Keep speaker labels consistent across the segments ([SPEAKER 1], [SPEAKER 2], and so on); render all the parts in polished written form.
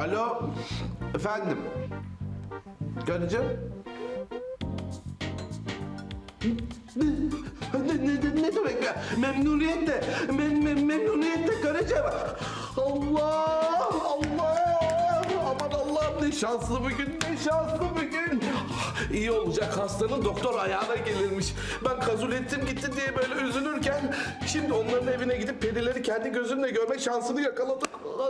[SPEAKER 1] Alo, efendim. Karıcığım. Ne demek ya? Memnuniyetle, memnuniyetle karıcığım. Allah, aman Allah'ım ne şanslı bugün, ne şanslı bugün. İyi olacak, hastanın doktor ayağına gelirmiş. Ben Kazulettin gitti diye böyle üzülürken şimdi onların evine gidip perileri kendi gözümle görme şansını yakaladım.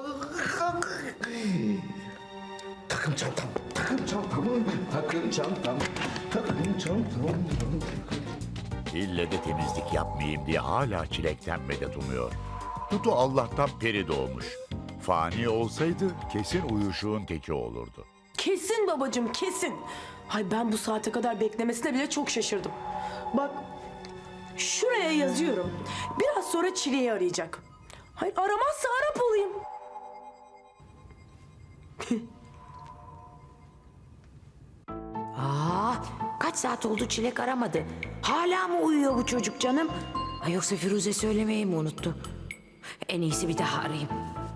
[SPEAKER 1] Takım çantam, takım çantam, takım çantam, takım çantam.
[SPEAKER 2] İlle de temizlik yapmayayım diye hala çilekten medet umuyor. Dudu Allah'tan peri doğmuş. Fani olsaydı kesin uyuşuğun teki olurdu.
[SPEAKER 3] Kesin babacığım, kesin. Hay ben bu saate kadar beklemesine bile çok şaşırdım. Bak, şuraya yazıyorum. Biraz sonra Çile'yi arayacak. Hayır, aramazsa Arap olayım.
[SPEAKER 4] Kaç saat oldu Çilek aramadı. Hala mı uyuyor bu çocuk canım? Ay yoksa Firuze söylemeyi mi unuttu? En iyisi bir daha arayayım.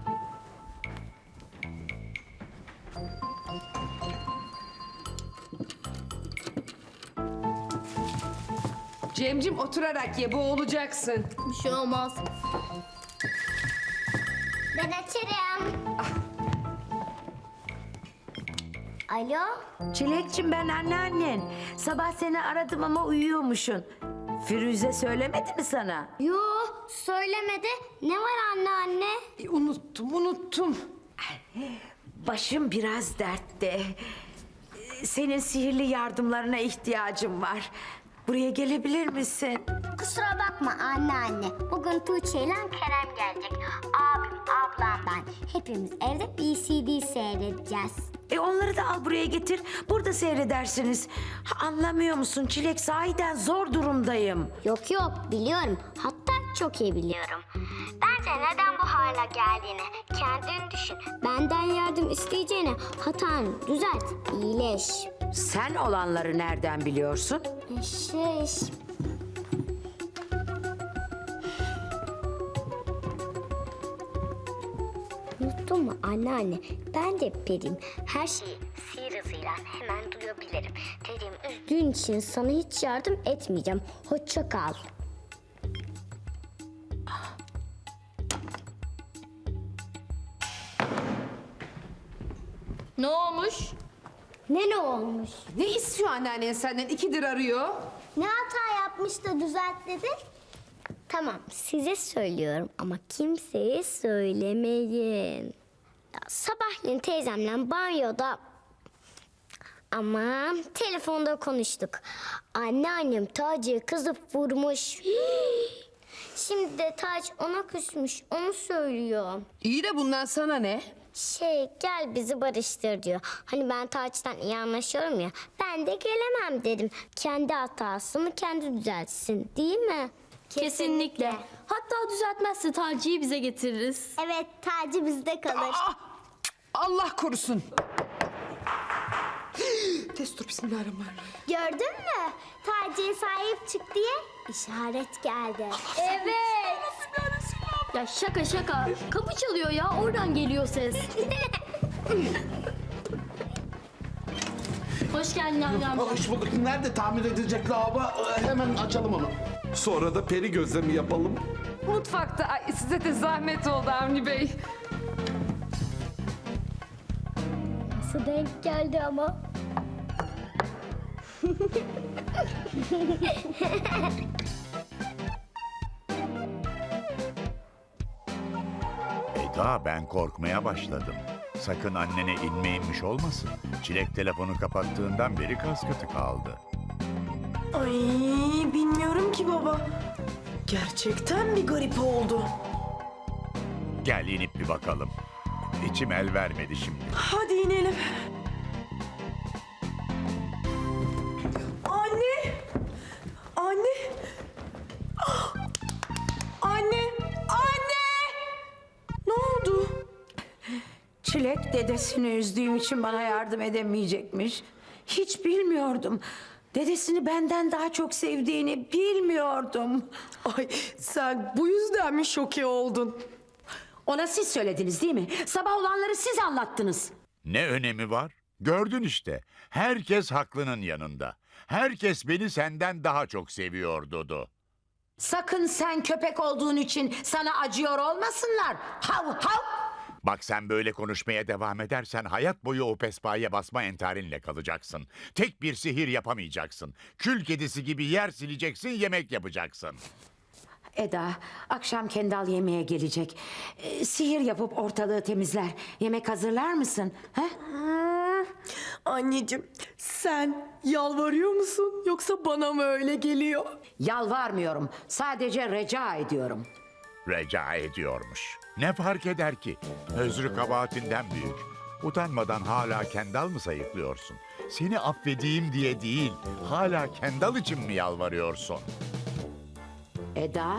[SPEAKER 5] Cemcim oturarak ye, boğulacaksın.
[SPEAKER 6] Bir şey olmaz. Ben açarım. Alo?
[SPEAKER 4] Çilekçim ben anneannen. Sabah seni aradım ama uyuyormuşsun. Firuze söylemedi mi sana?
[SPEAKER 6] Yo, söylemedi. Ne var anne?
[SPEAKER 5] Unuttum.
[SPEAKER 4] Başım biraz dertte. Senin sihirli yardımlarına ihtiyacım var. Buraya gelebilir misin?
[SPEAKER 6] Kusura bakma anne. Bugün Tuğçe ile Kerem gelecek. Abim, ablam, ben. Hepimiz evde BCD seyredeceğiz.
[SPEAKER 4] Onları da al buraya getir. Burada seyredersiniz. Anlamıyor musun Çilek? Sahiden zor durumdayım.
[SPEAKER 6] Yok biliyorum. Hatta çok iyi biliyorum. Bence neden bu hale geldiğini kendin düşün. Benden yardım isteyeceğine hatanı düzelt, iyileş.
[SPEAKER 4] Sen olanları nereden biliyorsun?
[SPEAKER 6] Unuttun mu anne? Ben de periyim. Her şeyi sihir hızıyla hemen duyabilirim. Dediğim üzdüğün için sana hiç yardım etmeyeceğim. Hoşça kal.
[SPEAKER 7] Ne olmuş?
[SPEAKER 6] Ne olmuş?
[SPEAKER 5] Ne istiyor anneannen senden? 2'dir arıyor.
[SPEAKER 6] Ne hata yapmış da düzelt dedi? Tamam size söylüyorum ama kimseye söylemeyin. Ya, sabahleyin teyzemle banyoda ama telefonda konuştuk. Anneannem Taci'ye kızıp vurmuş. Şimdi de Taci ona küsmüş, onu söylüyor.
[SPEAKER 5] İyi de bundan sana ne?
[SPEAKER 6] Gel bizi barıştır diyor. Hani ben Taci'den iyi anlaşıyorum ya. Ben de gelemem dedim. Kendi hatasını kendi düzeltsin değil mi?
[SPEAKER 7] Kesinlikle. Hatta düzeltmezse Taci'yi bize getiririz.
[SPEAKER 6] Evet Taci bizde kalır.
[SPEAKER 5] Allah korusun. Destur bismillahirrahmanirrahim.
[SPEAKER 6] Gördün mü? Taci'ye sahip çık diye işaret geldi. Evet.
[SPEAKER 7] Ya şaka. Kapı çalıyor ya, oradan geliyor ses. Hoş geldin amcam.
[SPEAKER 1] Hoş bulduk. Nerede tamir edilecek lavabo? Hemen açalım onu. Sonra da peri gözlemi yapalım.
[SPEAKER 5] Mutfakta. Ay, size de zahmet oldu Avni Bey.
[SPEAKER 6] Nasıl denk geldi ama?
[SPEAKER 2] Eda ben korkmaya başladım. Sakın annene inmiş olmasın. Çilek telefonu kapattığından beri kaskatı kaldı.
[SPEAKER 3] Ay bilmiyorum ki baba. Gerçekten bir garip oldu.
[SPEAKER 2] Gel inip bir bakalım. İçim el vermedi şimdi.
[SPEAKER 3] Hadi inelim. Anne! Anne! Ah! Anne! Ne oldu?
[SPEAKER 4] Çilek dedesini üzdüğüm için bana yardım edemeyecekmiş. Hiç bilmiyordum. Dedesini benden daha çok sevdiğini bilmiyordum.
[SPEAKER 3] Ay sen bu yüzden mi şoke oldun?
[SPEAKER 4] Ona siz söylediniz değil mi? Sabah olanları siz anlattınız.
[SPEAKER 2] Ne önemi var? Gördün işte. Herkes haklının yanında. Herkes beni senden daha çok seviyor Dudu.
[SPEAKER 4] Sakın sen köpek olduğun için sana acıyor olmasınlar. Hav hav.
[SPEAKER 2] Bak sen böyle konuşmaya devam edersen hayat boyu o pespaya basma entarinle kalacaksın. Tek bir sihir yapamayacaksın. Kül kedisi gibi yer sileceksin, yemek yapacaksın.
[SPEAKER 4] Eda, akşam Kendal yemeğe gelecek. Sihir yapıp ortalığı temizler. Yemek hazırlar mısın? He?
[SPEAKER 3] Anneciğim, sen yalvarıyor musun yoksa bana mı öyle geliyor?
[SPEAKER 4] Yalvarmıyorum. Sadece rica ediyorum.
[SPEAKER 2] Rica ediyormuş. Ne fark eder ki? Özrü kabahatinden büyük. Utanmadan hala Kendal mı sayıklıyorsun? Seni affedeyim diye değil, hala Kendal için mi yalvarıyorsun?
[SPEAKER 4] Eda,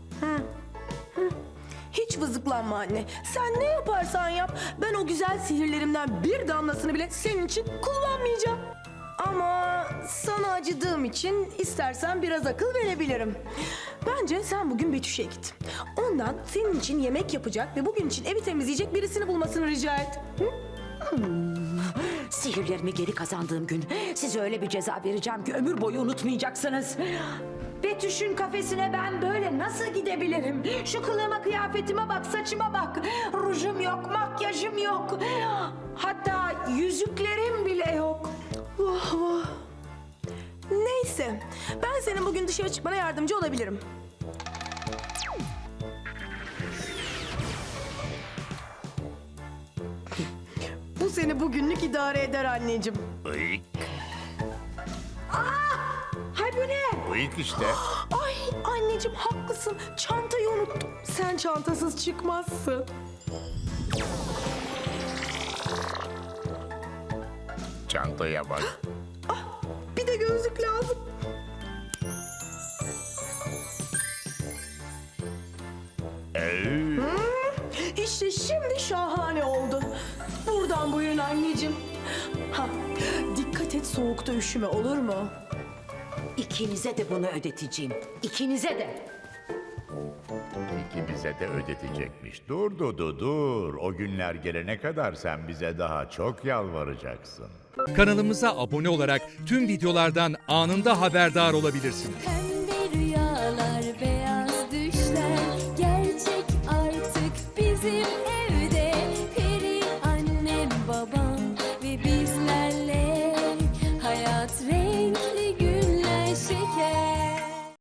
[SPEAKER 3] Hiç vızıklanma anne. Sen ne yaparsan yap, ben o güzel sihirlerimden bir damlasını bile senin için kullanmayacağım. Ama sana acıdığım için istersen biraz akıl verebilirim. Bence sen bugün Betüş'e git. Ondan senin için yemek yapacak ve bugün için evi temizleyecek birisini bulmasını rica et. Hı?
[SPEAKER 4] sihirlerimi geri kazandığım gün size öyle bir ceza vereceğim ki ömür boyu unutmayacaksınız. Betüş'ün kafesine ben böyle nasıl gidebilirim? Şu kılığıma, kıyafetime bak, saçıma bak. Rujum yok, makyajım yok. Hatta yüzüklerim bile yok.
[SPEAKER 3] Vah vah. Neyse, ben senin bugün dışarı çıkmana yardımcı olabilirim. Bu seni bugünlük idare eder anneciğim.
[SPEAKER 2] Uyk,
[SPEAKER 4] Hay bu ne?
[SPEAKER 2] uyk işte.
[SPEAKER 3] Ay anneciğim haklısın. Çantayı unuttum. Sen çantasız çıkmazsın.
[SPEAKER 2] Çantaya bak.
[SPEAKER 3] Bir de gözlük lazım. İşte şimdi şahane oldu. Buradan buyurun anneciğim. Ha, dikkat et soğukta üşüme olur mu?
[SPEAKER 4] İkinize de bunu ödeteceğim. İkinize de.
[SPEAKER 2] İkimize de ödetecekmiş. Dur Dudu dur. O günler gelene kadar sen bize daha çok yalvaracaksın.
[SPEAKER 8] Kanalımıza abone olarak tüm videolardan anında haberdar olabilirsiniz.
[SPEAKER 9] Pembe rüyalar, beyaz düşler gerçek artık bizim evde. Peri annem, babam ve bizlerle hayat rengi